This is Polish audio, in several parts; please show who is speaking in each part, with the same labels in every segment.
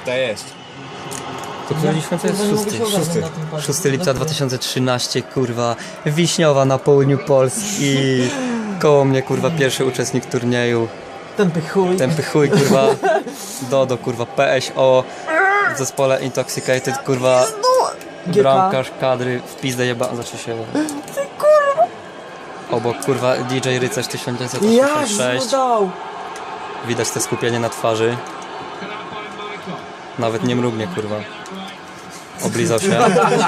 Speaker 1: To jest.
Speaker 2: To który miesiąc jest?
Speaker 1: Szósty.
Speaker 2: 6 lipca 2013, kurwa. Wiśniowa na południu Polski. Koło mnie, kurwa, pierwszy uczestnik turnieju. Tępy chuj, kurwa. Dodo, kurwa, PSO. W zespole Intoxicated, kurwa. Bramkarz kadry w pizdę jeba... Znaczy się... Obok, kurwa, DJ Rycerz 1986. Widać te skupienie na twarzy. Nawet nie mrugnie, kurwa. Oblizał się.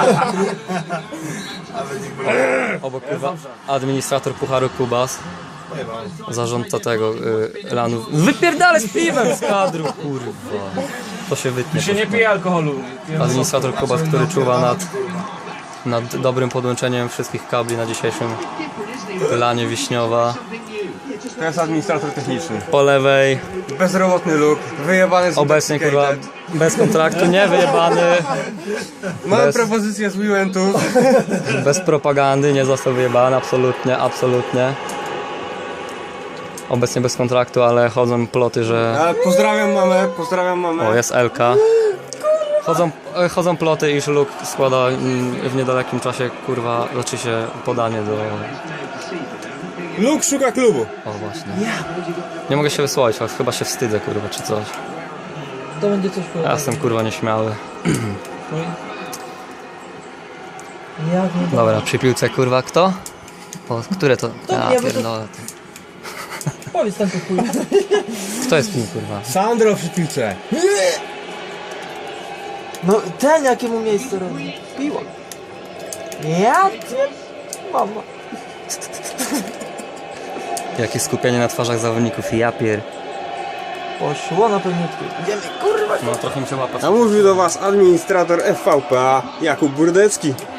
Speaker 2: Obok, kurwa, administrator Pucharu Kubas. Zarządca tego, Lanu. Wypierdalę z piwem z kadru, kurwa. To się wytnie.
Speaker 1: Się nie pije alkoholu.
Speaker 2: Administrator Kubas, który czuwa nad dobrym podłączeniem wszystkich kabli na dzisiejszym lanie Wiśniowa.
Speaker 3: To jest administrator techniczny.
Speaker 2: Po lewej
Speaker 3: Bezrobotny luk, wyjebany z
Speaker 2: obecnie, kurwa, bez kontraktu, nie wyjebany.
Speaker 3: Mamy propozycję z Wiwentu.
Speaker 2: Bez propagandy, nie został wyjebany, absolutnie, absolutnie. Obecnie bez kontraktu, ale chodzą ploty, że...
Speaker 3: Pozdrawiam mamę, pozdrawiam mamę.
Speaker 2: O, jest Elka. Chodzą ploty, iż Luke składa w niedalekim czasie, kurwa, zacznie się podanie do...
Speaker 3: Luke szuka klubu.
Speaker 2: O, właśnie. Nie mogę się wysłowić, ale chyba się wstydzę, kurwa, czy coś.
Speaker 4: To będzie coś
Speaker 2: Ja jestem, kurwa, nieśmiały.
Speaker 4: Jak nie
Speaker 2: Dobra, przy piłce, kurwa, kto? O, które to? Ja
Speaker 4: nie, bo to-
Speaker 2: pierdolę.
Speaker 4: powiedz tam chuj.
Speaker 2: Kto jest kim, kurwa?
Speaker 3: Sandro przy piłce.
Speaker 4: No ten jakiemu miejsce robi? Piła. Ja cię... Mama.
Speaker 2: Jakie skupienie na twarzach zawodników, ja pier...
Speaker 4: Poszło na pewniutku. Idziemy, kurwa.
Speaker 2: No trochę mi się łapa.
Speaker 3: A mówił do was administrator FVPA Jakub Burdecki.